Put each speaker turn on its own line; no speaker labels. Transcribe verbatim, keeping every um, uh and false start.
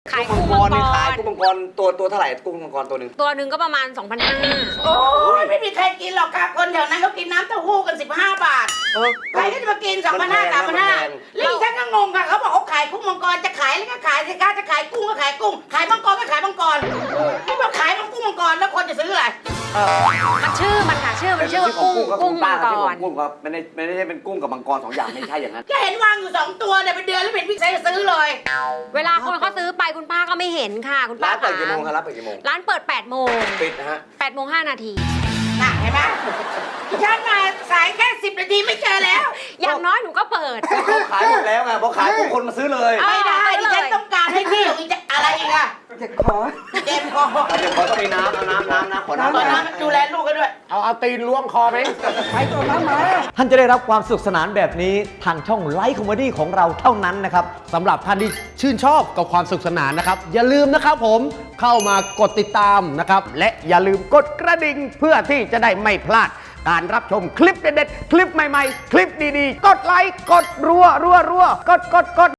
ขาย
กุ้ง
กุ้ง
มั
มั
ง
ง
ก
ก
รนี่ขาย
ร
กุ้งมังกรตัวตัวเท่าไหร่กุ้งมังกรตัวหนึ่ง
ตัวหนึ่งก็ประมาณ สองพันห้าร้อย
โอ้ยไม่มีใครกินหรอกค่ะคนแถวนั้นเขากินน้ำเต้าหู้กันสิบห้าบาท
เออ
ใครก็จะมากินสองพันห้าสามพันห้าลี่ฉันก็งงค่ะเขาบอกเขาขายกุ้งมังกรจะขายแล้วก็ขายสิคะจะขายกุ้งก็ขายกุ้งขายมังกรก็ขายมังกรไม่บอกขายมังกุ้งมังกรแล้วคนจะซื้ออะไร
มันชื่อมันค่ะชื่อมันชื่อว่ากุ้งกุ้งมังกร
กุ้งครับไม่ได้ไม่ได้เป็นกุ้งกับมังกรสองอย่างไม่ใช่อย่างนั้น
ก็เห็นวางอยู่สองตัวเนี่ยเป็นเดือนแล้วเป็นพี่ชายจะซื้อเลย
เวลาคนเขาซื้อไปคุณป้าก็ไม่เห็นค่ะคุณป้า
ร้านเปิดกี่โมงครับร้านเปิดกี่โมง
ร้านเปิดแปดโมง
ปิดนะฮะ
แปดโมงห้านาที
น่ะเห็นไหมฉันมาสายแค่สิบนาทีไม่เจอแล้ว
อย่างน้อยหนูก็เปิด
เขาขายหมดแล้วไงพอขายปุ๊บคนมาซื้อเลย
เอา
ไม่ได้
เอาเลย
ฉันต้องการให้พี่อีกจะอะไรอีกอะ
เจ็บคอ
เจ็บคอ
เดี๋ยวขอต้องมีน้ำเอาน้ำน้ำน้ำขอน้ำ
ตอนนั้นดูแลลูกกันด้วย
เอาเอาตีนล้วงคอไป
ไปตัวน้ำมา
ท่านจะได้รับความสนุกสนานแบบนี้ทางช่องไลฟ์คอมเมดี้ของเราเท่านั้นนะครับ
สำหรับท่านที่ชื่นชอบกับความสุขสนานนะครับ อย่าลืมนะครับผมเข้ามากดติดตามนะครับ และอย่าลืมกดกระดิ่งเพื่อที่จะได้ไม่พลาด การรับชมคลิปเด็ดๆ คลิปใหม่ๆ คลิปดีๆ กดไลค์ กดรัวรัวรัวกดกดกด